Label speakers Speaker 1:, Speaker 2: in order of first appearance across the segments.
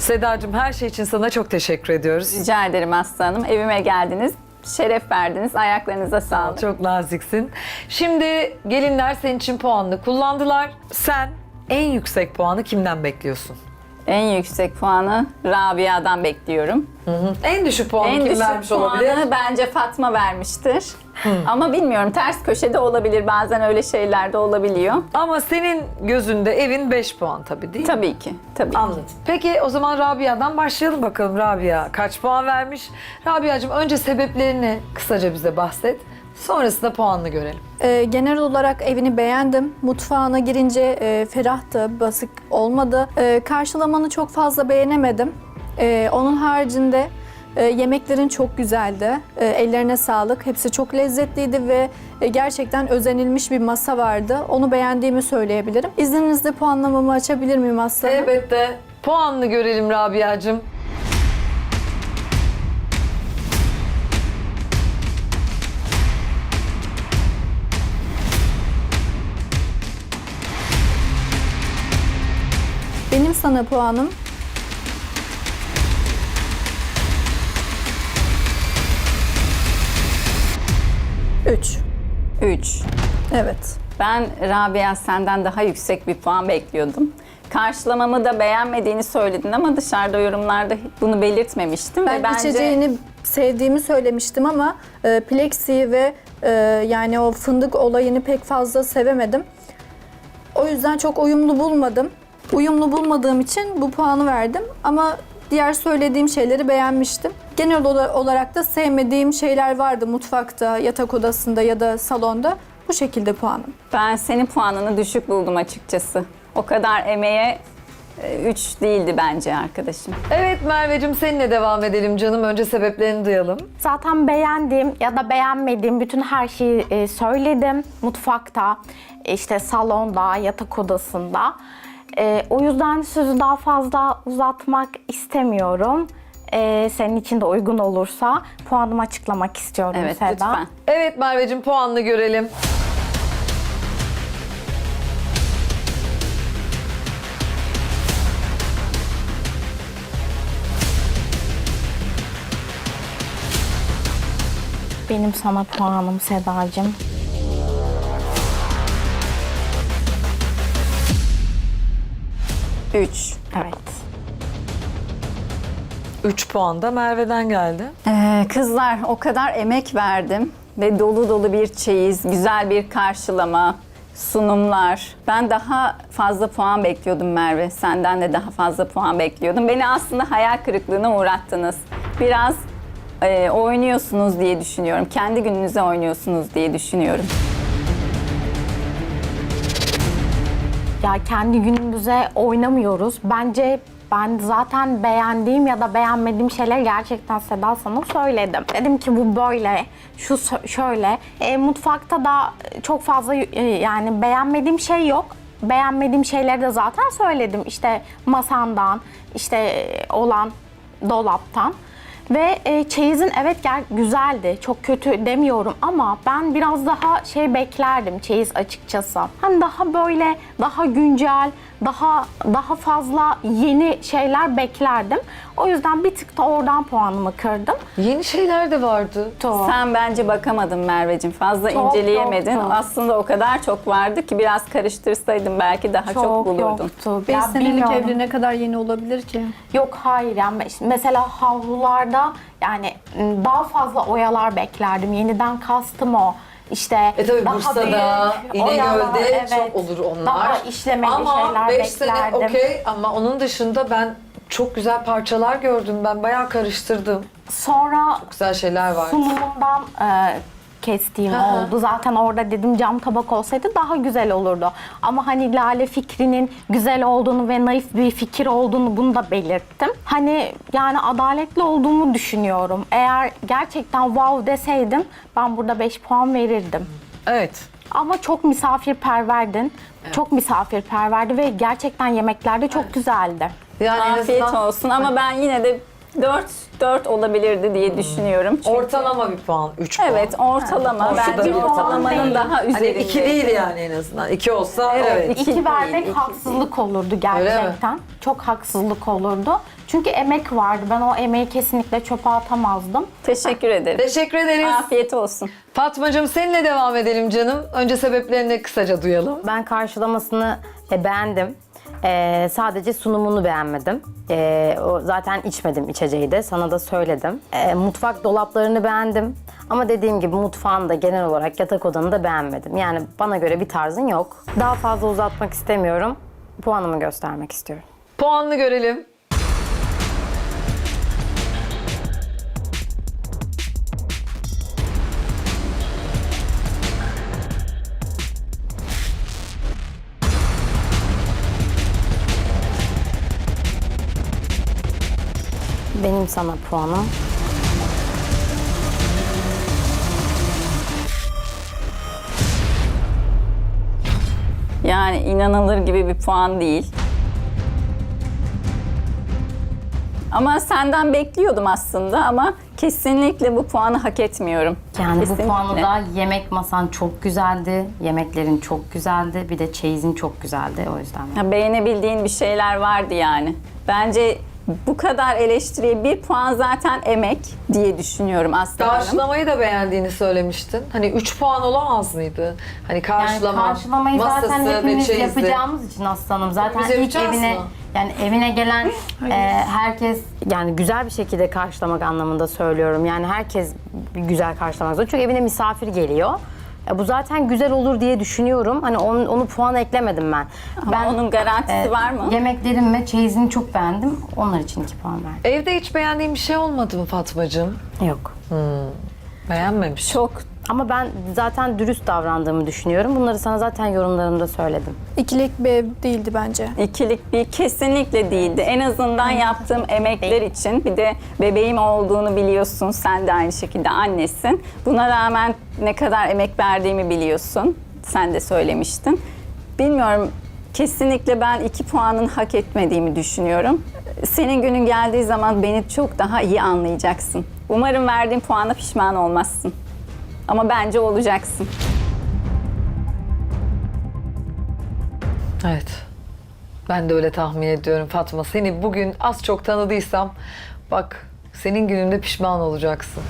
Speaker 1: Sedacığım her şey için sana çok teşekkür ediyoruz.
Speaker 2: Rica ederim Aslı Hanım. Evime geldiniz. Şeref verdiniz. Ayaklarınıza sağlık.
Speaker 1: Çok naziksin. Şimdi gelinler senin için puanını kullandılar. Sen en yüksek puanı kimden bekliyorsun?
Speaker 2: En yüksek puanı Rabia'dan bekliyorum.
Speaker 1: En düşük puanı
Speaker 2: En
Speaker 1: kim
Speaker 2: düşük
Speaker 1: vermiş
Speaker 2: puanı
Speaker 1: olabilir?
Speaker 2: bence Fatma vermiştir. Ama bilmiyorum, ters köşede olabilir. Bazen öyle şeyler de olabiliyor.
Speaker 1: Ama senin gözünde evin 5 puan tabii değil mi?
Speaker 2: Tabii ki. Tabii ki.
Speaker 1: Anladım. Peki o zaman Rabia'dan başlayalım bakalım. Rabia kaç puan vermiş? Rabia'cığım önce sebeplerini kısaca bize bahset. Sonrasında puanını görelim.
Speaker 3: Genel olarak evini beğendim. Mutfağına girince ferahtı, basık olmadı. Karşılamanı çok fazla beğenemedim. Onun haricinde yemeklerin çok güzeldi. Ellerine sağlık. Hepsi çok lezzetliydi ve gerçekten özenilmiş bir masa vardı. Onu beğendiğimi söyleyebilirim. İzninizle puanlamamı açabilir miyim Aslı Hanım?
Speaker 1: Elbette. Puanını görelim Rabia'cığım.
Speaker 3: Benim sana puanım 3.
Speaker 2: 3.
Speaker 3: Evet.
Speaker 2: Ben Rabia senden daha yüksek bir puan bekliyordum. Karşılamamı da beğenmediğini söyledin ama dışarıda yorumlarda bunu belirtmemiştim.
Speaker 3: Ben
Speaker 2: ve bence
Speaker 3: içeceğini sevdiğimi söylemiştim ama plexi ve yani o fındık olayını pek fazla sevemedim. O yüzden çok uyumlu bulmadım. Uyumlu bulmadığım için bu puanı verdim ama diğer söylediğim şeyleri beğenmiştim. Genel olarak da sevmediğim şeyler vardı mutfakta, yatak odasında ya da salonda. Bu şekilde puanım.
Speaker 2: ben senin puanını düşük buldum açıkçası. O kadar emeğe 3 değildi bence arkadaşım.
Speaker 1: Evet Merveciğim seninle devam edelim canım. Önce sebeplerini duyalım.
Speaker 4: Zaten beğendiğim ya da beğenmediğim bütün her şeyi söyledim. Mutfakta, işte salonda, yatak odasında. O yüzden sözü daha fazla uzatmak istemiyorum. Senin için de uygun olursa puanımı açıklamak istiyorum
Speaker 2: Evet,
Speaker 4: Seda.
Speaker 2: lütfen.
Speaker 1: Evet Merveciğim puanını görelim.
Speaker 4: Benim sana puanım Sedacığım.
Speaker 2: Üç.
Speaker 4: Evet.
Speaker 1: 3 puan da Merve'den geldi.
Speaker 2: Kızlar, o kadar emek verdim ve dolu dolu bir çeyiz, güzel bir karşılama, sunumlar. Ben daha fazla puan bekliyordum Merve. Senden de daha fazla puan bekliyordum. Beni aslında hayal kırıklığına uğrattınız. Biraz oynuyorsunuz diye düşünüyorum. Kendi gününüze oynuyorsunuz diye düşünüyorum.
Speaker 4: Ya kendi günümüze oynamıyoruz. Bence ben zaten beğendiğim ya da beğenmediğim şeyler gerçekten Seda sana söyledim. Dedim ki bu böyle, şu şöyle. Mutfakta da çok fazla yani beğenmediğim şey yok. Beğenmediğim şeyleri de zaten söyledim. İşte masandan, işte olan dolaptan. Ve çeyizin evet güzeldi. Çok kötü demiyorum ama ben biraz daha şey beklerdim çeyiz açıkçası. Hani daha böyle daha güncel, daha fazla yeni şeyler beklerdim. O yüzden bir tık da oradan puanımı kırdım.
Speaker 1: Yeni şeyler de vardı.
Speaker 2: Sen bence bakamadın Merveciğim. Fazla
Speaker 4: Çok
Speaker 2: inceleyemedin.
Speaker 4: yoktu.
Speaker 2: Aslında o kadar çok vardı ki biraz karıştırsaydım belki daha çok bulurdun.
Speaker 4: yoktu.
Speaker 3: 5
Speaker 4: Ya
Speaker 3: senelik
Speaker 4: bilmiyorum.
Speaker 3: evli ne kadar yeni olabilir ki?
Speaker 4: Yok hayır yani mesela havlularda yani daha fazla oyalar beklerdim. Yeniden kastım o. İşte
Speaker 1: Tabii
Speaker 4: daha
Speaker 1: Bursa'da,
Speaker 4: büyük oyalar,
Speaker 1: İnegöl'de çok olur onlar.
Speaker 4: Daha işlemeli
Speaker 1: ama
Speaker 4: şeyler
Speaker 1: 5 sene
Speaker 4: beklerdim.
Speaker 1: okey ama onun dışında ben çok güzel parçalar gördüm. Ben bayağı karıştırdım.
Speaker 4: Sonra
Speaker 1: Güzel şeyler var.
Speaker 4: sunumundan kestiğim oldu. Zaten orada dedim cam tabak olsaydı daha güzel olurdu. Ama hani Lale fikrinin güzel olduğunu ve naif bir fikir olduğunu bunu da belirttim. Hani yani adaletli olduğumu düşünüyorum. Eğer gerçekten wow deseydim ben burada 5 puan verirdim.
Speaker 1: Evet.
Speaker 4: Ama çok misafirperverdin. Çok misafirperverdi ve gerçekten yemeklerde çok güzeldi.
Speaker 1: Yani en
Speaker 2: Afiyet
Speaker 1: azından
Speaker 2: olsun ama ben yine de 4 olabilirdi diye düşünüyorum. Çünkü
Speaker 1: ortalama bir puan. 3 puan.
Speaker 2: evet, ortalama.
Speaker 1: Ortada
Speaker 2: Bence
Speaker 1: bir puan
Speaker 2: ortalamanın
Speaker 4: değil.
Speaker 2: daha
Speaker 1: Hani
Speaker 2: üzerinde.
Speaker 1: 2 değil yani en azından. 2 olsa evet.
Speaker 2: İki
Speaker 4: İki vermek
Speaker 2: değil,
Speaker 4: haksızlık olurdu
Speaker 1: Öyle mi?
Speaker 4: gerçekten. Çok haksızlık olurdu. Çünkü emek vardı. Ben o emeği kesinlikle çöpe atamazdım.
Speaker 2: Teşekkür ederim.
Speaker 1: Teşekkür ederiz.
Speaker 2: Afiyet olsun.
Speaker 1: Fatmacığım seninle devam edelim canım. Önce sebeplerini kısaca duyalım.
Speaker 5: Ben karşılamasını beğendim. Sadece sunumunu beğenmedim. O zaten içmedim içeceği de. Sana da söyledim. Mutfak dolaplarını beğendim. Ama dediğim gibi mutfağını da genel olarak yatak odanı da beğenmedim. Yani bana göre bir tarzın yok. Daha fazla uzatmak istemiyorum. Puanımı göstermek istiyorum.
Speaker 1: Puanını görelim.
Speaker 5: Benim sana puanım.
Speaker 2: Yani inanılır gibi bir puan değil. Ama senden bekliyordum aslında ama kesinlikle bu puanı hak etmiyorum.
Speaker 5: Yani
Speaker 2: Kesinlikle.
Speaker 5: bu puanı da yemek masan çok güzeldi. Yemeklerin çok güzeldi. Bir de çeyizin çok güzeldi o yüzden.
Speaker 2: Ha, beğenebildiğin bir şeyler vardı yani. Bence bu kadar eleştiriye bir puan zaten emek diye düşünüyorum Aslı Hanım.
Speaker 1: Karşılamayı da beğendiğini söylemiştin. Hani 3 puan olamaz mıydı? Hani
Speaker 5: Yani
Speaker 1: karşılama,
Speaker 5: karşılamayı zaten
Speaker 1: masası ve
Speaker 5: hepimiz
Speaker 1: çeyizi.
Speaker 5: yapacağımız için aslanım. Zaten
Speaker 1: Hepimiz
Speaker 5: ilk
Speaker 1: yapacağız
Speaker 5: evine
Speaker 1: mı?
Speaker 5: yani evine gelen herkes yani güzel bir şekilde karşılamak anlamında söylüyorum. Yani herkes bir güzel karşılamak zorunda. Çünkü evine misafir geliyor. Bu zaten güzel olur diye düşünüyorum. Hani onu puan eklemedim ben.
Speaker 2: Ama onun garantisi var mı?
Speaker 5: Yemeklerim ve çeyizini çok beğendim. Onlar için 2 puan verdim.
Speaker 1: Evde hiç beğendiğin bir şey olmadı mı Fatmacığım?
Speaker 5: Yok.
Speaker 1: Beğenmemiş.
Speaker 2: Çok
Speaker 5: Ama ben zaten dürüst davrandığımı düşünüyorum. Bunları sana zaten yorumlarımda söyledim.
Speaker 3: İkilik bir ev değildi bence.
Speaker 2: ikilik bir kesinlikle değildi. En azından yaptığım emekler için bir de bebeğim olduğunu biliyorsun. Sen de aynı şekilde annesin. Buna rağmen ne kadar emek verdiğimi biliyorsun. Sen de söylemiştin. Bilmiyorum. Kesinlikle ben 2 puanın hak etmediğimi düşünüyorum. Senin günün geldiği zaman beni çok daha iyi anlayacaksın. Umarım verdiğim puana pişman olmazsın. Ama bence olacaksın.
Speaker 1: Evet. Ben de öyle tahmin ediyorum Fatma. Seni bugün az çok tanıdıysam bak senin gününde pişman olacaksın.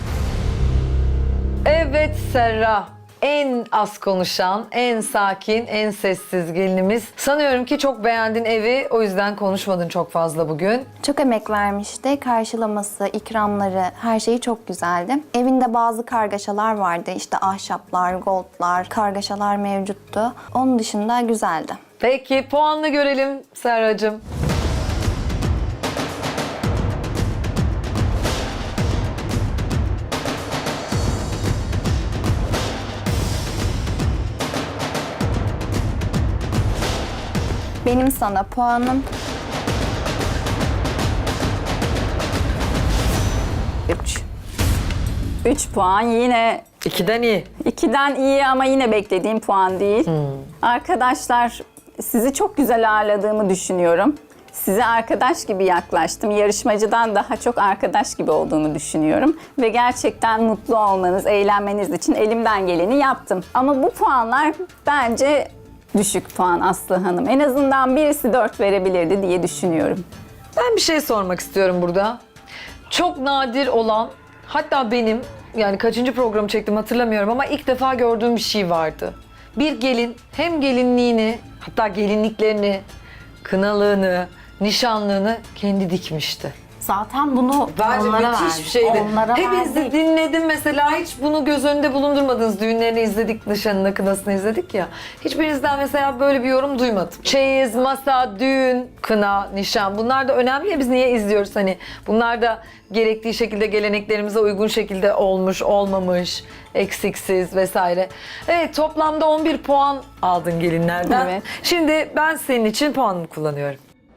Speaker 1: Evet Serra. En az konuşan, en sakin, en sessiz gelinimiz. Sanıyorum ki çok beğendin evi. O yüzden konuşmadın çok fazla bugün.
Speaker 6: Çok emek vermişti. Karşılaması, ikramları, her şeyi çok güzeldi. Evinde bazı kargaşalar vardı. İşte ahşaplar, goldlar, kargaşalar mevcuttu. Onun dışında güzeldi.
Speaker 1: Peki puanını görelim Serracığım.
Speaker 6: Benim sana puanım 3.
Speaker 2: 3 puan yine
Speaker 1: 2'den iyi.
Speaker 2: 2'den iyi ama yine beklediğim puan değil. Arkadaşlar sizi çok güzel ağırladığımı düşünüyorum. Size arkadaş gibi yaklaştım. Yarışmacıdan daha çok arkadaş gibi olduğunu düşünüyorum. Ve gerçekten mutlu olmanız, eğlenmeniz için elimden geleni yaptım. Ama bu puanlar bence düşük puan Aslı Hanım. En azından birisi 4 verebilirdi diye düşünüyorum.
Speaker 1: Ben bir şey sormak istiyorum burada. Çok nadir olan, hatta benim yani kaçıncı programı çektim hatırlamıyorum ama ilk defa gördüğüm bir şey vardı. Bir gelin hem gelinliğini, hatta gelinliklerini, kınalığını, nişanlığını kendi dikmişti.
Speaker 5: Zaten bunu
Speaker 1: Bence
Speaker 5: onlara
Speaker 1: müthiş
Speaker 5: verdik.
Speaker 1: bir şeydi.
Speaker 5: Onlara
Speaker 1: Hepiniz de
Speaker 5: verdik.
Speaker 1: dinledim mesela, hiç bunu göz önünde bulundurmadınız. Düğünlerini izledik, nişanını, kınasını izledik ya. Hiçbirinizden mesela böyle bir yorum duymadım. Çeyiz, masa, düğün, kına, nişan, bunlar da önemli ya, biz niye izliyoruz hani. Bunlar da gerektiği şekilde geleneklerimize uygun şekilde olmuş, olmamış, eksiksiz vesaire. Evet, toplamda 11 puan aldın gelinlerden.
Speaker 2: Evet.
Speaker 1: Şimdi ben senin için puanını kullanıyorum.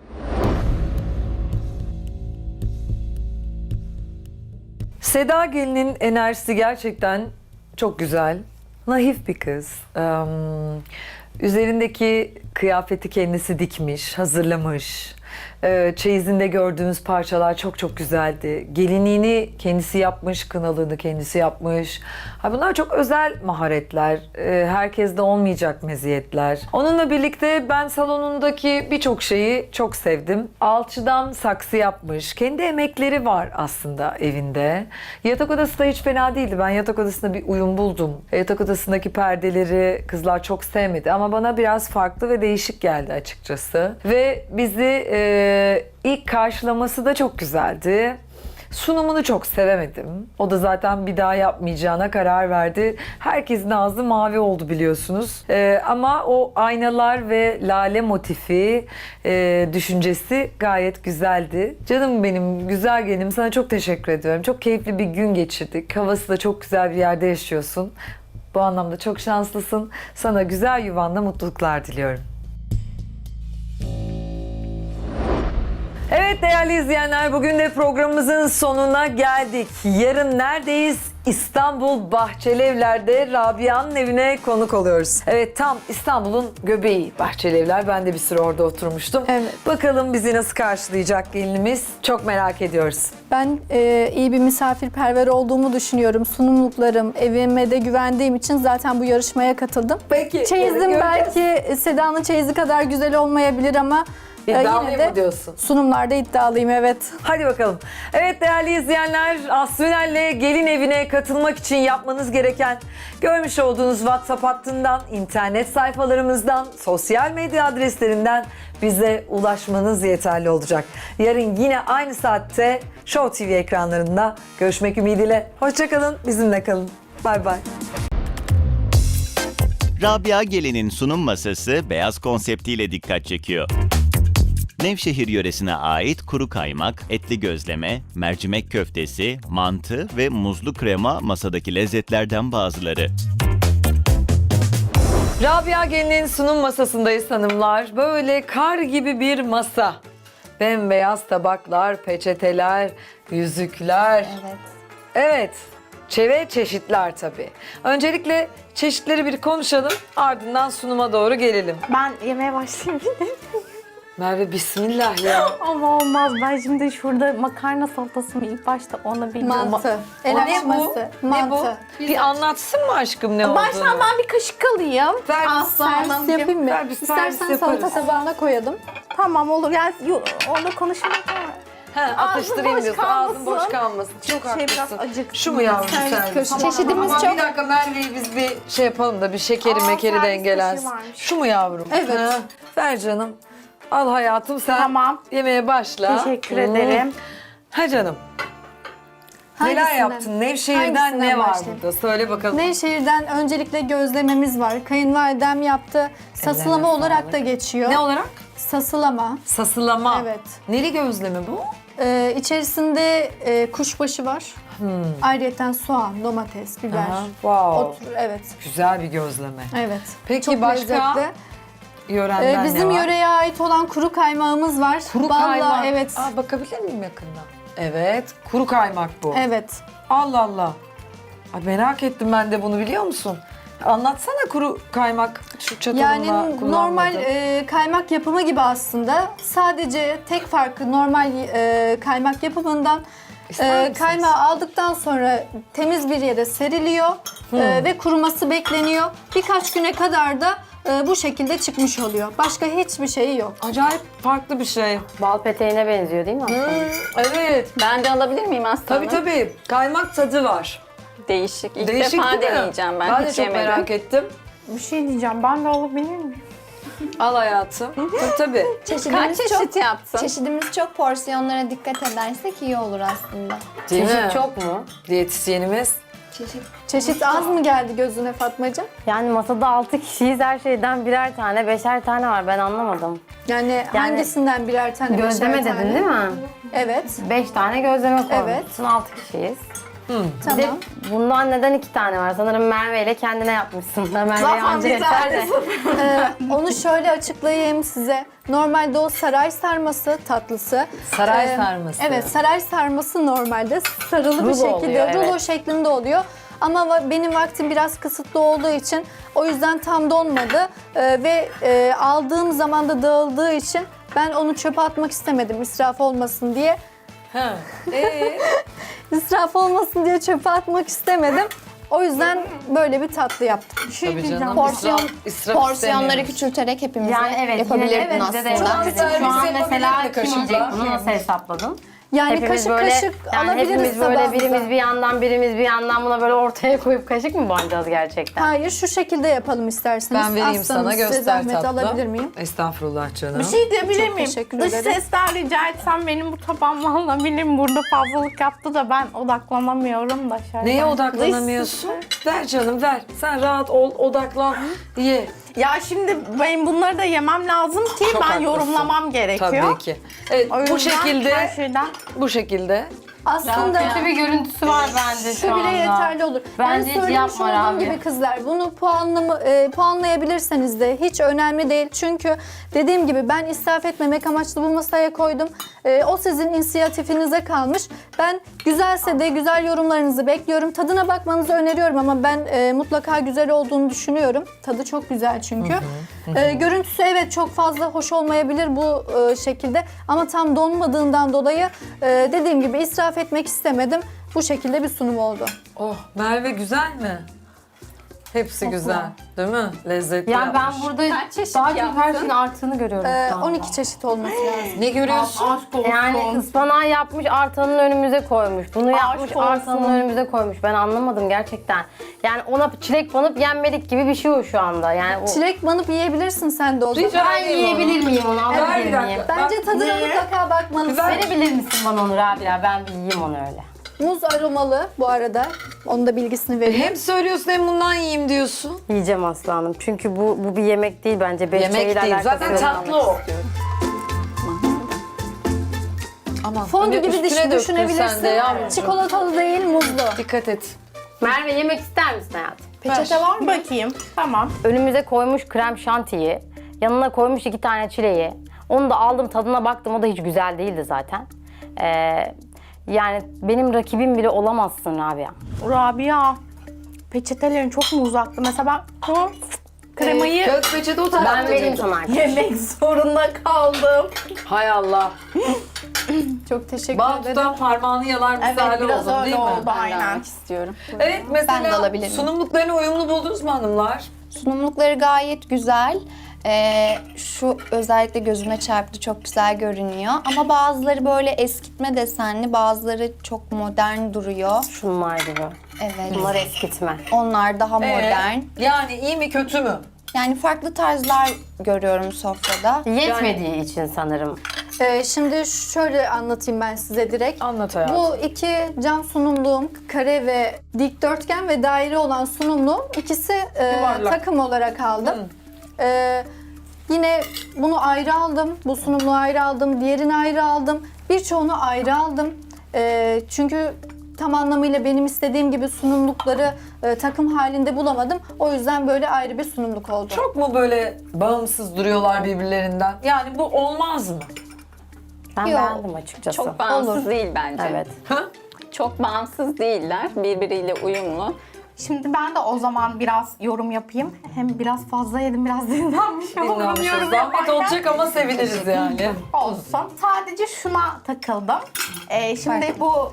Speaker 1: Seda gelinin enerjisi gerçekten çok güzel. Naif bir kız. Üzerindeki kıyafeti kendisi dikmiş, hazırlamış. Çeyizinde gördüğümüz parçalar çok çok güzeldi. Gelinliğini kendisi yapmış, kınalığını kendisi yapmış. Ha, bunlar çok özel maharetler. Herkeste olmayacak meziyetler. Onunla birlikte ben salonundaki birçok şeyi çok sevdim. Alçıdan saksı yapmış. Kendi emekleri var aslında evinde. Yatak odası da hiç fena değildi. Ben yatak odasında bir uyum buldum. Yatak odasındaki perdeleri kızlar çok sevmedi ama bana biraz farklı ve değişik geldi açıkçası. Ve bizi ilk karşılaması da çok güzeldi. Sunumunu çok sevemedim. O da zaten bir daha yapmayacağına karar verdi. Herkesin ağzı mavi oldu biliyorsunuz. Ama o aynalar ve lale motifi düşüncesi gayet güzeldi. Canım benim, güzel gelinim, sana çok teşekkür ediyorum. Çok keyifli bir gün geçirdik. Havası da çok güzel bir yerde yaşıyorsun. Bu anlamda çok şanslısın. Sana güzel yuvanda mutluluklar diliyorum. Evet değerli izleyenler, bugün de programımızın sonuna geldik. Yarın neredeyiz? İstanbul Bahçelievler'de Rabia'nın evine konuk oluyoruz. Evet, tam İstanbul'un göbeği Bahçelievler. Ben de bir süre orada oturmuştum.
Speaker 3: Evet.
Speaker 1: Bakalım bizi nasıl karşılayacak gelinimiz? Çok merak ediyoruz.
Speaker 3: Ben iyi bir misafirperver olduğumu düşünüyorum. Sunumluklarım, evime de güvendiğim için zaten bu yarışmaya katıldım.
Speaker 1: Peki.
Speaker 3: Çeyizim
Speaker 1: göreceğiz.
Speaker 3: belki Seda'nın çeyizi kadar güzel olmayabilir ama
Speaker 1: İddialıyım
Speaker 3: yine de
Speaker 1: mı diyorsun?
Speaker 3: sunumlarda iddialıyım, evet.
Speaker 1: Hadi bakalım. Evet değerli izleyenler, Aslı Ünel'le gelin evine katılmak için yapmanız gereken, görmüş olduğunuz WhatsApp hattından, internet sayfalarımızdan, sosyal medya adreslerinden bize ulaşmanız yeterli olacak. Yarın yine aynı saatte Show TV ekranlarında görüşmek ümidiyle. Hoşça kalın, bizimle kalın. Bay bay.
Speaker 7: Rabia Gelin'in sunum masası beyaz konseptiyle dikkat çekiyor. Nevşehir yöresine ait kuru kaymak, etli gözleme, mercimek köftesi, mantı ve muzlu krema masadaki lezzetlerden bazıları.
Speaker 1: Rabia Gelin'in sunum masasındayız hanımlar. Böyle kar gibi bir masa. Bembeyaz tabaklar, peçeteler, yüzükler.
Speaker 6: Evet.
Speaker 1: Evet. Ve çeşitler tabii. Öncelikle çeşitleri bir konuşalım, ardından sunuma doğru gelelim.
Speaker 4: Ben yemeğe başlayayım.
Speaker 1: Merve bismillah ya.
Speaker 4: Ama olmaz. Ben şimdi şurada makarna salatası mı ilk başta onu bilmiyorum.
Speaker 3: Mantı,
Speaker 1: O
Speaker 3: el
Speaker 1: ne
Speaker 3: açması,
Speaker 1: bu? Ne bu?
Speaker 3: mantı.
Speaker 1: Bir anlatsın mı aşkım ne olduğunu?
Speaker 4: Baştan ben bir kaşık alayım.
Speaker 1: Ver bir
Speaker 3: Servis yapayım mı?
Speaker 1: Ver bir servis
Speaker 3: İstersen salata
Speaker 1: yaparız.
Speaker 3: tabağına koyalım.
Speaker 4: Tamam olur. Yani orada konuşalım.
Speaker 1: Atıştırayım
Speaker 4: boş
Speaker 1: diyorsun. Ağzın boş
Speaker 4: kalmasın.
Speaker 1: kalmasın. Çok
Speaker 4: Şey
Speaker 1: haklısın.
Speaker 4: biraz acıktım.
Speaker 1: Şu mu yavrum
Speaker 3: Servis
Speaker 1: servis?
Speaker 3: köşesi.
Speaker 6: Çeşidimiz
Speaker 1: Ama
Speaker 6: çok...
Speaker 1: bir dakika Merve'yi biz bir şey yapalım da bir şekeri
Speaker 4: Aa,
Speaker 1: mekeri
Speaker 4: servis
Speaker 1: dengelensin.
Speaker 4: kaşığı varmış.
Speaker 1: Şu mu yavrum?
Speaker 3: Evet.
Speaker 1: Ha, ver canım. Al hayatım sen
Speaker 4: Tamam.
Speaker 1: yemeğe başla.
Speaker 4: Teşekkür ederim.
Speaker 1: Ha canım. Neler
Speaker 3: Hangisinden?
Speaker 1: yaptın? Nevşehir'den
Speaker 3: Hangisinden
Speaker 1: ne var
Speaker 3: başlayayım?
Speaker 1: burada? Söyle bakalım.
Speaker 3: Nevşehir'den öncelikle gözlememiz var. Kayınvalidem yaptı. Sasılama
Speaker 1: Ellerine
Speaker 3: olarak
Speaker 1: sağlık.
Speaker 3: da geçiyor.
Speaker 1: Ne olarak?
Speaker 3: Sasılama.
Speaker 1: Sasılama.
Speaker 3: Evet.
Speaker 1: Neli gözleme bu?
Speaker 3: İçerisinde kuşbaşı var. Ayrıyeten soğan, domates, biber.
Speaker 1: Aha, wow.
Speaker 3: Otur, evet.
Speaker 1: Güzel bir gözleme.
Speaker 3: Evet.
Speaker 1: Peki
Speaker 3: Çok
Speaker 1: başka
Speaker 3: lezzetli.
Speaker 1: yörenden
Speaker 3: Bizim
Speaker 1: ne var?
Speaker 3: yöreye ait olan kuru kaymağımız var.
Speaker 1: Kuru
Speaker 3: Balla,
Speaker 1: kaymak.
Speaker 3: evet.
Speaker 1: Aa, bakabilir miyim yakından? Evet, kuru kaymak bu.
Speaker 3: Evet.
Speaker 1: Allah Allah. Ay, merak ettim ben de bunu, biliyor musun? Anlatsana kuru kaymak, şu çatalımla
Speaker 3: Yani
Speaker 1: kullanmadım.
Speaker 3: normal kaymak yapımı gibi aslında. Sadece tek farkı normal kaymak yapımından
Speaker 1: İster misiniz?
Speaker 3: kaymağı aldıktan sonra temiz bir yere seriliyor ve kuruması bekleniyor. Birkaç güne kadar da bu şekilde çıkmış oluyor. Başka hiçbir şeyi yok.
Speaker 1: Acayip farklı bir şey.
Speaker 5: Bal peteğine benziyor değil mi aslında?
Speaker 1: Evet.
Speaker 2: Ben de alabilir miyim Aslı
Speaker 1: Tabii
Speaker 2: Hanım?
Speaker 1: tabii. Kaymak tadı var.
Speaker 2: Değişik. İlk
Speaker 1: Değişik
Speaker 2: defa
Speaker 1: değil mi?
Speaker 2: deneyeceğim ben.
Speaker 1: Ben de
Speaker 2: Hiç
Speaker 1: çok
Speaker 2: yemedim.
Speaker 1: merak ettim.
Speaker 4: Bir şey diyeceğim. Ben de alabilir miyim?
Speaker 1: Al hayatım. Tabii.
Speaker 2: Kaç
Speaker 6: Çeşidimiz
Speaker 2: çeşit
Speaker 6: çok,
Speaker 2: yaptın?
Speaker 6: çeşidimiz çok, porsiyonlara dikkat edersek iyi olur aslında.
Speaker 1: Değil mi?
Speaker 5: Çeşit çok mu?
Speaker 1: Diyetisyenimiz.
Speaker 3: Çeşit az mı geldi gözüne Fatmacığım?
Speaker 5: Yani masada 6 kişiyiz. Her şeyden birer tane, 5'er tane var. Ben anlamadım.
Speaker 3: Yani hangisinden birer tane?
Speaker 5: Gözleme
Speaker 3: beşer
Speaker 5: dedin
Speaker 3: tane?
Speaker 5: değil mi?
Speaker 3: Evet.
Speaker 5: 5 tane gözleme koymuşsun.
Speaker 3: Evet.
Speaker 5: 6 kişiyiz. Bir de
Speaker 3: Tamam.
Speaker 5: bundan neden 2 tane var? Sanırım Merve ile kendine yapmışsın. Merve'ye
Speaker 3: Zaten
Speaker 5: anca
Speaker 3: bir
Speaker 5: yeter de.
Speaker 3: Onu şöyle açıklayayım size. Normalde o saray sarması tatlısı.
Speaker 1: Saray sarması.
Speaker 3: Evet, saray sarması normalde sarılı bir
Speaker 5: Rulo
Speaker 3: şekilde,
Speaker 5: oluyor,
Speaker 3: rulo
Speaker 5: evet.
Speaker 3: şeklinde oluyor. Ama benim vaktim biraz kısıtlı olduğu için o yüzden tam donmadı ve aldığım zaman da dağıldığı için Ben onu çöpe atmak istemedim israf olmasın diye.
Speaker 1: Ha.
Speaker 3: İsraf olmasın diye çöpe atmak istemedim. O yüzden böyle bir tatlı yaptım.
Speaker 1: Tabii canım.
Speaker 6: Porsiyon,
Speaker 1: israf
Speaker 6: porsiyonları
Speaker 1: istemiyorum.
Speaker 6: küçülterek hepimize
Speaker 5: Yani evet,
Speaker 6: yapabilirdin
Speaker 5: yine evet,
Speaker 6: aslında.
Speaker 5: bize de yapabilirdin.
Speaker 1: güzel
Speaker 5: Şu an
Speaker 1: bir
Speaker 5: mesela
Speaker 1: yapabilirdi
Speaker 5: kim yiyecek
Speaker 1: kaşıkla.
Speaker 5: bunu, nasıl hesapladın?
Speaker 3: Yani
Speaker 5: Hepimiz
Speaker 3: kaşık
Speaker 5: böyle,
Speaker 3: kaşık
Speaker 5: yani
Speaker 3: alabiliriz
Speaker 5: hepimiz böyle
Speaker 3: tabağımıza.
Speaker 5: birimiz bir yandan birimiz bir yandan buna böyle ortaya koyup kaşık mı banacağız gerçekten?
Speaker 3: Hayır, şu şekilde yapalım isterseniz.
Speaker 1: Ben vereyim
Speaker 3: Aslanım,
Speaker 1: sana,
Speaker 3: size
Speaker 1: göster
Speaker 3: zahmet
Speaker 1: tatlım.
Speaker 3: alabilir miyim?
Speaker 1: Estağfurullah canım.
Speaker 8: Bir şey diyebilir
Speaker 3: Çok
Speaker 8: miyim?
Speaker 3: teşekkür
Speaker 8: Dış
Speaker 3: ederim.
Speaker 8: sesler rica etsem benim bu tabağım valla benim burada fazlalık yaptı da ben odaklanamıyorum da şöyle.
Speaker 1: Neye
Speaker 8: Dış
Speaker 1: odaklanamıyorsun?
Speaker 8: ses-
Speaker 1: Ver canım ver. Sen rahat ol, odaklan, ye.
Speaker 8: Ya şimdi benim bunları da yemem lazım ki
Speaker 1: Çok
Speaker 8: ben
Speaker 1: haklısın.
Speaker 8: yorumlamam gerekiyor.
Speaker 1: Tabii ki. Evet,
Speaker 8: O
Speaker 1: bu
Speaker 8: yüzden
Speaker 1: şekilde,
Speaker 8: her şeyden
Speaker 1: bu şekilde.
Speaker 3: Aslında
Speaker 5: Kötü bir görüntüsü var bence şu
Speaker 3: şu
Speaker 5: anda.
Speaker 3: bile yeterli olur.
Speaker 5: Bence
Speaker 3: Ben
Speaker 5: hiç
Speaker 3: söylemiş
Speaker 5: yapma
Speaker 3: olduğum
Speaker 5: Rabia.
Speaker 3: gibi kızlar bunu puanlayabilirseniz de hiç önemli değil. Çünkü dediğim gibi ben israf etmemek amaçlı bu masaya koydum. O sizin inisiyatifinize kalmış. Ben güzelse de güzel yorumlarınızı bekliyorum. Tadına bakmanızı öneriyorum ama ben mutlaka güzel olduğunu düşünüyorum. Tadı çok güzel çünkü. Görüntüsü evet çok fazla hoş olmayabilir bu şekilde ama tam donmadığından dolayı dediğim gibi israf etmek istemedim. Bu şekilde bir sunum oldu.
Speaker 1: Oh, Merve güzel mi? Hepsi güzel, değil mi? Lezzetli
Speaker 5: Ya ben
Speaker 1: yapmış.
Speaker 5: burada
Speaker 2: Kaç çeşit
Speaker 5: daha çok her
Speaker 2: yaptın?
Speaker 5: şeyin arttığını görüyorum şu anda.
Speaker 3: 12 çeşit olması lazım.
Speaker 1: Ne görüyorsun?
Speaker 8: aşk olsun.
Speaker 5: Yani ıspanağı yapmış, artanın önümüze koymuş. Bunu yapmış,
Speaker 8: olsun.
Speaker 5: artanın önümüze koymuş. Ben anlamadım gerçekten. Yani ona çilek banıp yenmedik gibi bir şey o şu anda. Yani o...
Speaker 3: Çilek banıp yiyebilirsin sen de o zaman.
Speaker 1: Rica
Speaker 5: Ben
Speaker 1: edeyim onu.
Speaker 5: yiyebilir miyim onu?
Speaker 1: Ver
Speaker 5: Alabilir
Speaker 1: bir dakika.
Speaker 5: miyim?
Speaker 3: Bence tadına
Speaker 8: Niye?
Speaker 3: mutlaka bakmalısın.
Speaker 1: Ver.
Speaker 5: Verebilir misin bana onu Rabia? Ben bir yiyeyim onu öyle.
Speaker 3: Muz aromalı bu arada. Onun da bilgisini vereyim.
Speaker 1: Hem söylüyorsun hem bundan yiyeyim diyorsun.
Speaker 5: Yiyeceğim aslanım. Çünkü bu bir yemek değil bence. Benim
Speaker 1: Yemek
Speaker 5: şeyle
Speaker 1: değil,
Speaker 5: alakası
Speaker 1: zaten
Speaker 5: yok.
Speaker 1: tatlı o. Aman,
Speaker 3: Fondü
Speaker 1: hani
Speaker 3: gibi
Speaker 1: üstüne döktün sen de
Speaker 3: düşünebilirsin.
Speaker 1: yavrucuğum.
Speaker 3: Çikolatalı değil, muzlu.
Speaker 1: Dikkat et.
Speaker 5: Merve yemek ister misin hayatım?
Speaker 8: Peçete var mı? Bakayım. Tamam.
Speaker 5: Önümüze koymuş krem şantiyi, yanına koymuş 2 tane çileği. Onu da aldım, tadına baktım. O da hiç güzel değildi zaten. Yani benim rakibim bile olamazsın Rabia.
Speaker 8: Rabia. Peçetelerin çok mu uzaktı? Mesela ben kremayı
Speaker 1: Kağıt peçete o tarafta.
Speaker 5: Ben vereyim
Speaker 1: canım.
Speaker 5: sana.
Speaker 8: yemek zorunda kaldım.
Speaker 1: Hay Allah.
Speaker 3: Çok teşekkür
Speaker 1: Bal
Speaker 3: ederim.
Speaker 1: tutan parmağını yalar misali
Speaker 8: Evet, biraz
Speaker 1: oldun
Speaker 8: öyle
Speaker 1: değil mi?
Speaker 8: oldu.
Speaker 2: Ben de
Speaker 8: Aynen.
Speaker 2: almak istiyorum.
Speaker 1: Evet
Speaker 6: Ben de
Speaker 1: mesela
Speaker 6: alabilirim.
Speaker 1: sunumluklarını uyumlu buldunuz mu hanımlar?
Speaker 6: Sunumlukları gayet güzel. Şu özellikle gözüme çarptı, çok güzel görünüyor. Ama bazıları böyle eskitme desenli, bazıları çok modern duruyor.
Speaker 5: Şunlar gibi.
Speaker 6: Evet.
Speaker 5: Bunlar eskitme.
Speaker 6: Onlar daha modern.
Speaker 1: Yani iyi mi kötü mü?
Speaker 6: Yani farklı tarzlar görüyorum sofrada.
Speaker 5: Yetmediği için sanırım.
Speaker 3: Şimdi şöyle anlatayım ben size direkt.
Speaker 1: Anlat hayatım.
Speaker 3: Bu iki cam sunumluğum, kare ve dikdörtgen ve daire olan sunumluğum ikisi
Speaker 1: Yuvarlak.
Speaker 3: takım olarak aldım. Yine bunu ayrı aldım, bu sunumluğu ayrı aldım, diğerini ayrı aldım. Birçoğunu ayrı aldım. Çünkü tam anlamıyla benim istediğim gibi sunumlukları takım halinde bulamadım. O yüzden böyle ayrı bir sunumluk oldu.
Speaker 1: Çok mu böyle bağımsız duruyorlar birbirlerinden? Yani bu olmaz mı?
Speaker 5: Ben
Speaker 3: Yok.
Speaker 5: beğendim açıkçası.
Speaker 2: Çok bağımsız değil bence.
Speaker 5: Evet.
Speaker 1: Ha?
Speaker 2: Çok bağımsız değiller. Birbiriyle uyumlu.
Speaker 8: Şimdi ben de o zaman biraz yorum yapayım. Hem biraz fazla yedim, biraz dinlenmiş olurum
Speaker 1: Dinlenmişiz.
Speaker 8: yorum
Speaker 1: Zahmet
Speaker 8: yaparken.
Speaker 1: olacak ama seviniriz yani.
Speaker 8: Olsun. Sadece şuna takıldım. Şimdi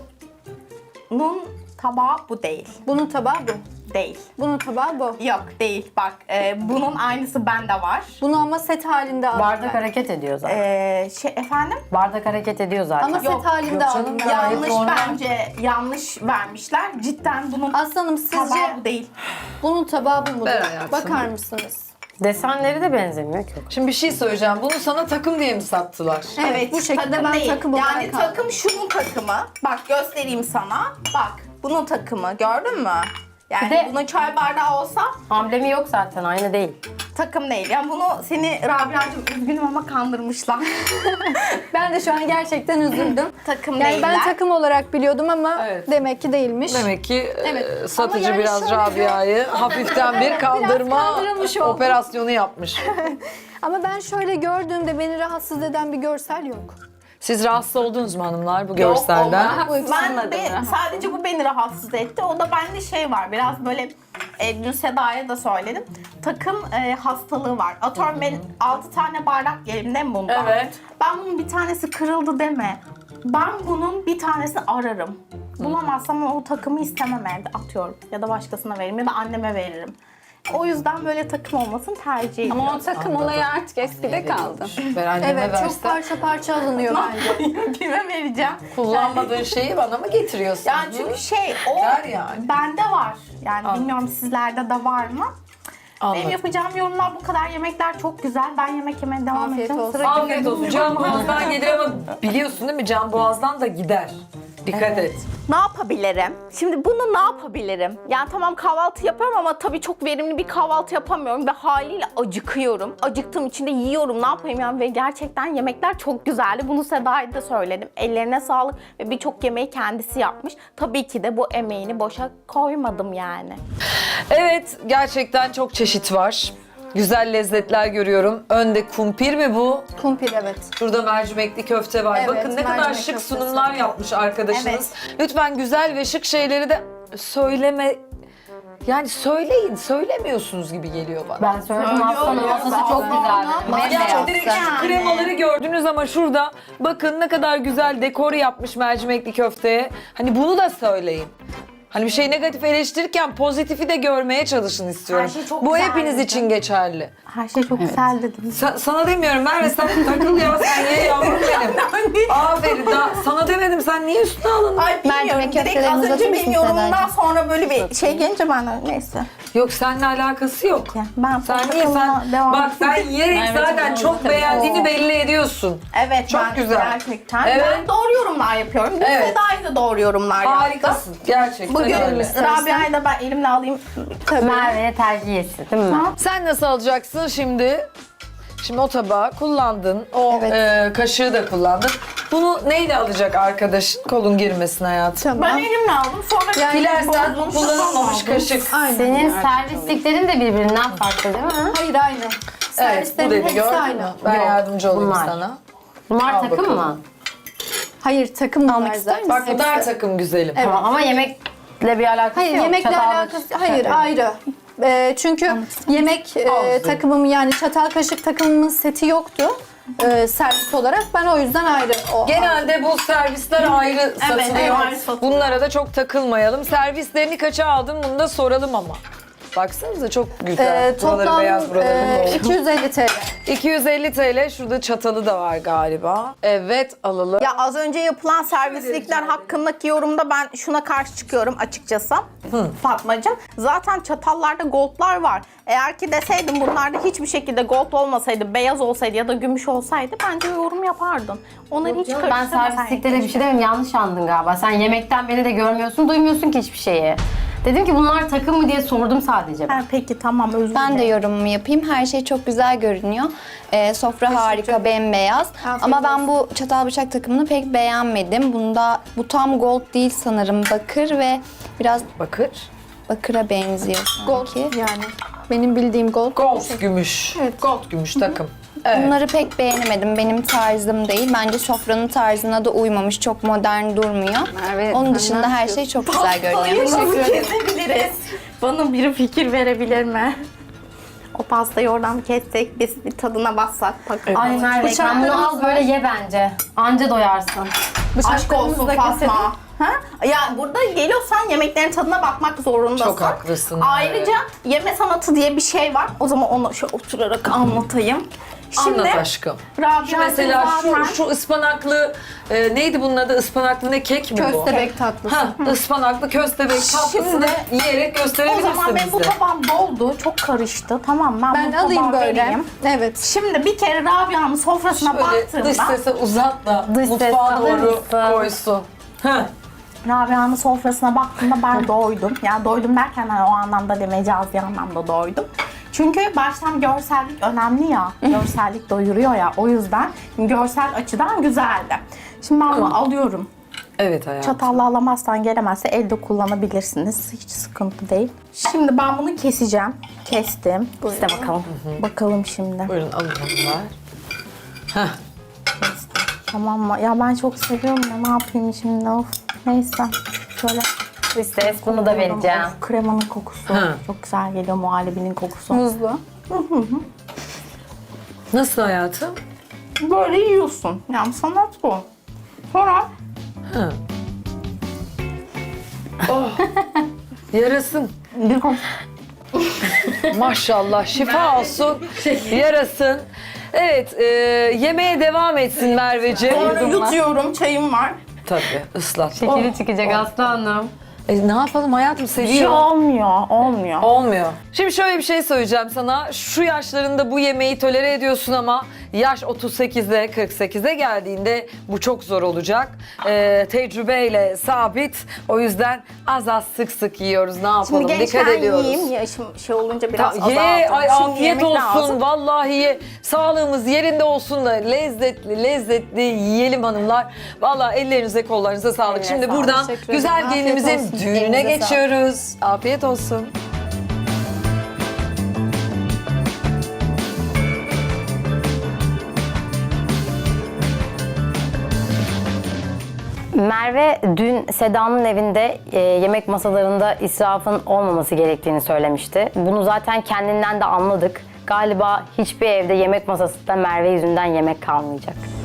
Speaker 8: bunun tabağı bu değil.
Speaker 3: Bunun tabağı bu.
Speaker 8: Değil.
Speaker 3: Bunun tabağı bu.
Speaker 8: Yok değil. Bak bunun aynısı bende var.
Speaker 3: Bunu ama set halinde aldım
Speaker 5: Bardak
Speaker 3: ben.
Speaker 5: hareket ediyor zaten.
Speaker 8: Efendim?
Speaker 5: Bardak hareket ediyor zaten.
Speaker 3: Ama set halinde
Speaker 1: yok canım
Speaker 3: aldım.
Speaker 1: ya.
Speaker 3: ben.
Speaker 1: Gayet
Speaker 8: Yanlış
Speaker 1: normal.
Speaker 8: bence. Yanlış vermişler. Cidden bunun
Speaker 3: Aslanım sizce
Speaker 8: tabağı bu değil.
Speaker 3: bunun tabağı bu mudur?
Speaker 1: Ver hayatım.
Speaker 3: Bakar mısınız?
Speaker 5: Desenleri de benzemiyor ki.
Speaker 1: Şimdi bir şey söyleyeceğim. Bunu sana takım diye mi sattılar?
Speaker 3: Evet, bu şekilde
Speaker 8: takım
Speaker 3: ben
Speaker 8: değil.
Speaker 3: takım olarak
Speaker 8: Yani
Speaker 3: aldım.
Speaker 8: takım şunun takımı. Bak göstereyim sana. Bak bunun takımı. Gördün mü? Yani
Speaker 5: Bir de-
Speaker 8: bunun çay bardağı olsa
Speaker 5: Amblemi yok zaten, aynı değil.
Speaker 8: takım değil. Yani bunu seni Rabia'cığım üzgünüm ama kandırmışlar.
Speaker 3: Ben de şu an gerçekten üzüldüm.
Speaker 8: takım
Speaker 3: Yani
Speaker 8: değiller.
Speaker 3: ben takım olarak biliyordum ama
Speaker 1: Evet.
Speaker 3: demek ki değilmiş.
Speaker 1: Demek ki
Speaker 3: Evet.
Speaker 1: satıcı
Speaker 3: Ama yani
Speaker 1: biraz
Speaker 3: şöyle
Speaker 1: Rabia'yı hafiften bir kandırma
Speaker 3: kandırılmış oldu.
Speaker 1: operasyonu yapmış.
Speaker 3: Ama ben şöyle gördüğümde beni rahatsız eden bir görsel yok.
Speaker 1: Siz rahatsız oldunuz mu hanımlar bu
Speaker 8: Yok,
Speaker 1: görselden?
Speaker 8: olmaz.
Speaker 2: Bu ikisinin
Speaker 8: Ben
Speaker 2: adına.
Speaker 8: sadece bu beni rahatsız etti. O da bende şey var. Biraz böyle dün Seda'ya da söyledim. Takım hastalığı var. Atıyorum ben 6 tane bardak yerim değil mi bundan?
Speaker 1: Evet.
Speaker 8: Ben bunun bir tanesi kırıldı deme. Ben bunun bir tanesini ararım. Bulamazsam o takımı istemem evde, atıyorum. Ya da başkasına veririm ya da anneme veririm. O yüzden böyle takım olmasını tercih ediyorum.
Speaker 2: Ama o takım olayı artık eskide kaldı.
Speaker 1: Ben anneme
Speaker 3: Evet,
Speaker 1: versem.
Speaker 3: çok parça parça alınıyor bence.
Speaker 8: Kime vereceğim?
Speaker 1: Kullanmadığın şeyi bana mı getiriyorsun?
Speaker 8: Yani çünkü o
Speaker 1: Ver yani.
Speaker 8: bende var. Yani bilmiyorum sizlerde de var mı?
Speaker 1: Anladım.
Speaker 8: Benim yapacağım yorumlar bu kadar. Yemekler çok güzel. Ben yemek yemeye devam
Speaker 3: Afiyet
Speaker 8: edeceğim.
Speaker 3: olsun.
Speaker 8: Sıra
Speaker 1: Afiyet olsun. Can boğazdan gelir ama biliyorsun değil mi? Can boğazdan da gider. Dikkat et.
Speaker 8: Ne yapabilirim? Şimdi bunu ne yapabilirim? Yani tamam kahvaltı yapıyorum ama tabii çok verimli bir kahvaltı yapamıyorum ve haliyle acıkıyorum. Acıktığım için de yiyorum. Ne yapayım yani? Ve gerçekten yemekler çok güzeldi. Bunu Seda'ya da söyledim. Ellerine sağlık ve birçok yemeği kendisi yapmış. Tabii ki de bu emeğini boşa koymadım yani.
Speaker 1: Evet, gerçekten çok çeşit var. Güzel lezzetler görüyorum. Önde kumpir mi bu?
Speaker 3: Kumpir, evet.
Speaker 1: Şurada mercimekli köfte var.
Speaker 3: Evet,
Speaker 1: Bakın ne kadar
Speaker 3: mercimek
Speaker 1: şık
Speaker 3: köftesi.
Speaker 1: sunumlar yapmış arkadaşınız. Lütfen güzel ve şık şeyleri de söyleme... Yani söyleyin, söylemiyorsunuz gibi geliyor bana.
Speaker 5: Ben söyledim haftanın masası çok güzeldi.
Speaker 1: Yani direkt şu kremaları gördünüz ama şurada bakın ne kadar güzel dekor yapmış mercimekli köfteye. Hani bunu da söyleyin. Hani bir şey negatif eleştirirken pozitifi de görmeye çalışın istiyorum.
Speaker 8: Her şey çok
Speaker 1: Bu
Speaker 8: güzeldi.
Speaker 1: hepiniz için geçerli.
Speaker 8: Her şey çok güzel dedim.
Speaker 1: Sana demiyorum Merve, sen takıl ya, sen ye yavrum benim. Aferin, sana demedim, sen niye üstüne alındın?
Speaker 8: Ay bilmiyorum.
Speaker 6: Mercimek
Speaker 8: Direkt az
Speaker 6: köftelerimizi
Speaker 8: önce
Speaker 6: atır
Speaker 8: benim
Speaker 6: mısın
Speaker 8: yorumumdan
Speaker 6: Sedacığım?
Speaker 8: sonra böyle bir şey gelince ben de neyse.
Speaker 1: Yok, seninle alakası yok.
Speaker 8: Ben
Speaker 1: Sen niye bak sen yiyerek zaten çok beğendiğini belli ediyorsun.
Speaker 8: Evet,
Speaker 1: Çok
Speaker 8: ben
Speaker 1: güzel.
Speaker 8: gerçekten.
Speaker 1: Evet.
Speaker 8: Ben doğru yorumlar yapıyorum. Dün
Speaker 1: Evet.
Speaker 8: Seda'yı da doğru yorumlar yaptı.
Speaker 1: Harikasın gerçekten
Speaker 8: Bugün
Speaker 1: öyle.
Speaker 8: Rabia'yı da ben elimle alayım. Tabii.
Speaker 5: Merve'ye tercih etsin değil mi?
Speaker 1: Sen nasıl alacaksın şimdi? Şimdi o tabağı kullandın, o kaşığı da kullandın. Bunu neyle alacak arkadaşın? Kolun girmesin hayatım.
Speaker 8: Ben elimle aldım. Sonra
Speaker 1: Dilersen
Speaker 8: bozulmuş
Speaker 1: kullanılmamış
Speaker 8: aldım.
Speaker 1: kaşık.
Speaker 3: Aynen.
Speaker 5: Senin servisliklerin de birbirinden farklı değil mi?
Speaker 3: Hayır, aynı.
Speaker 1: Evet, bu
Speaker 3: Servislerin
Speaker 1: dedi
Speaker 3: hepsi
Speaker 1: gördün
Speaker 3: aynı.
Speaker 1: mü? Ben
Speaker 5: Yok,
Speaker 1: yardımcı olayım
Speaker 5: bunlar.
Speaker 1: sana.
Speaker 5: Bunlar
Speaker 1: Al
Speaker 5: takım
Speaker 1: bakalım.
Speaker 5: mı?
Speaker 3: Hayır, takım
Speaker 6: Almak
Speaker 3: var
Speaker 6: ister
Speaker 3: zaten.
Speaker 1: Bak bunlar takım güzelim.
Speaker 5: Tamam ama yemekle bir alakası
Speaker 3: Hayır,
Speaker 5: yok.
Speaker 3: yemekle
Speaker 5: Çatal
Speaker 3: alakası hayır, ayrı. Çünkü yemek takımım, yani çatal kaşık takımımın seti yoktu servis olarak. Ben o yüzden ayrı.
Speaker 1: Genelde bu servisler ayrı satılıyor.
Speaker 8: ayrı satılıyor.
Speaker 1: Bunlara da çok takılmayalım. Servislerini kaça aldın bunu da soralım ama. Baksanıza çok güzel. Buraları
Speaker 3: Toplam
Speaker 1: beyaz, buraları mor.
Speaker 3: 250 TL.
Speaker 1: 250 TL. Şurada çatalı da var galiba. Evet, alalım.
Speaker 8: Ya az önce yapılan servislikler hakkındaki yorumda ben şuna karşı çıkıyorum açıkçası. Fatmacığım. Zaten çatallarda goldlar var. Eğer ki deseydim bunlarda hiçbir şekilde gold olmasaydı, beyaz olsaydı ya da gümüş olsaydı bence yorum yapardın. Onları hiç
Speaker 5: Ben
Speaker 8: karıştırmasaydın.
Speaker 5: servislikte de bir şey demem, yanlış anladın galiba. Sen yemekten beni de görmüyorsun, duymuyorsun ki hiçbir şeyi. Dedim ki bunlar takım mı diye sordum sadece ben.
Speaker 8: Ha, peki tamam, özür
Speaker 6: Ben de
Speaker 8: dilerim.
Speaker 6: yorumumu yapayım. Her şey çok güzel görünüyor. Sofra harika, bembeyaz. Ama ben bu çatal bıçak takımını pek beğenmedim. Bu tam gold değil sanırım. Bakır ve biraz
Speaker 1: Bakır.
Speaker 6: bakıra benziyor
Speaker 3: Gold
Speaker 6: sanki.
Speaker 3: yani. Benim bildiğim gold.
Speaker 1: Gold gümüş.
Speaker 3: Evet.
Speaker 1: Gold gümüş takım. Evet.
Speaker 6: Bunları pek beğenemedim. Benim tarzım değil. Bence sofranın tarzına da uymamış. Çok modern durmuyor.
Speaker 2: Merve,
Speaker 6: Onun
Speaker 2: sen
Speaker 6: dışında
Speaker 2: ne
Speaker 6: her şey çok güzel görünüyor.
Speaker 8: Nasıl kesebiliriz? Bana biri fikir verebilir mi? O pastayı oradan kessek, biz bir tadına bassak.
Speaker 5: Ay Merve, sen bunu al böyle ye bence. Anca doyarsın.
Speaker 8: Aşk olsun Fatma. Ha? Ya burada geliyorsan yemeklerin tadına bakmak zorundasın.
Speaker 1: Çok haklısın.
Speaker 8: Ayrıca yeme sanatı diye bir şey var. O zaman onu şöyle oturarak anlatayım.
Speaker 1: Anlat aşkım.
Speaker 8: Rabia
Speaker 1: Şu mesela
Speaker 8: zaten-
Speaker 1: şu ıspanaklı neydi bunun adı? Ispanaklı ne, kek mi bu?
Speaker 3: Köstebek tatlısı.
Speaker 1: Ha, ıspanaklı köstebek tatlısını yiyerek
Speaker 8: O
Speaker 1: gösterebilirsin
Speaker 8: zaman benim bu
Speaker 1: bize.
Speaker 8: tabağım doldu. Çok karıştı. Tamam,
Speaker 3: Ben
Speaker 8: bu
Speaker 3: alayım
Speaker 8: tabağı
Speaker 3: böyle.
Speaker 8: vereyim.
Speaker 3: Evet.
Speaker 8: Şimdi bir kere Rabia'nın sofrasına
Speaker 1: Böyle dış
Speaker 8: baktığımda
Speaker 1: sese uzat da
Speaker 5: Dış ses
Speaker 1: mutfağa
Speaker 5: alır
Speaker 1: doğru
Speaker 5: mısın?
Speaker 1: koysun. Heh.
Speaker 8: Rabia'nın sofrasına baktığımda ben doydum. Yani doydum derken hani o anlamda değil, mecazi anlamda doydum. Çünkü baştan görsellik önemli ya. Görsellik doyuruyor ya. O yüzden görsel açıdan güzeldi. Şimdi ben bunu alıyorum.
Speaker 1: Evet hayatım.
Speaker 8: Çatalla alamazsan, gelemezse elde kullanabilirsiniz. Hiç sıkıntı değil. Şimdi ben bunu keseceğim. Kestim. İşte bakalım. Bakalım şimdi.
Speaker 1: Buyurun alın onlar. Heh.
Speaker 8: Tamam mı? Ya ben çok seviyorum ya. Ne yapayım şimdi? Of. Neyse. Şöyle
Speaker 4: Ses
Speaker 5: bunu da vereceğim.
Speaker 4: Of, kremanın kokusu.
Speaker 1: Ha.
Speaker 4: Çok güzel geliyor muhallebinin kokusu.
Speaker 3: Muzlu.
Speaker 1: Nasıl hayatım?
Speaker 8: Böyle yiyorsun. Yani sanat bu. Sonra
Speaker 1: Yarasın. Maşallah şifa olsun. Yarasın. Evet, yemeğe devam etsin Merveciğim.
Speaker 8: sonra yutuyorum. Çayım var.
Speaker 1: Tabii, ıslat.
Speaker 5: Şekeri çıkacak Aslı Hanım.
Speaker 1: Ne yapalım hayatım,
Speaker 4: Bir şey
Speaker 1: seviyor.
Speaker 4: olmuyor.
Speaker 1: Olmuyor. Şimdi şöyle bir şey söyleyeceğim sana. Şu yaşlarında bu yemeği tolere ediyorsun ama yaş 38'e 48'e geldiğinde bu çok zor olacak. Tecrübeyle sabit. O yüzden az az sık sık yiyoruz. Ne yapalım?
Speaker 8: Şimdi
Speaker 1: Dikkat
Speaker 8: gençken
Speaker 1: ediyoruz.
Speaker 8: yiyeyim. Yaşım şey olunca biraz
Speaker 1: Ye,
Speaker 8: azaldım.
Speaker 1: ay
Speaker 8: Şimdi
Speaker 1: afiyet
Speaker 8: yemek
Speaker 1: olsun.
Speaker 8: lazım.
Speaker 1: Vallahi ye. Sağlığımız yerinde olsun da lezzetli yiyelim hanımlar. Vallahi ellerinize kollarınıza sağlık. Şimdi buradan
Speaker 3: Teşekkür
Speaker 1: güzel
Speaker 3: ederim. Afiyet
Speaker 1: gelinimizin
Speaker 3: olsun.
Speaker 1: düğününe
Speaker 3: Elinize
Speaker 1: geçiyoruz. Afiyet olsun.
Speaker 5: Merve dün Seda'nın evinde yemek masalarında israfın olmaması gerektiğini söylemişti. Bunu zaten kendinden de anladık. Galiba hiçbir evde yemek masasında Merve yüzünden yemek kalmayacak.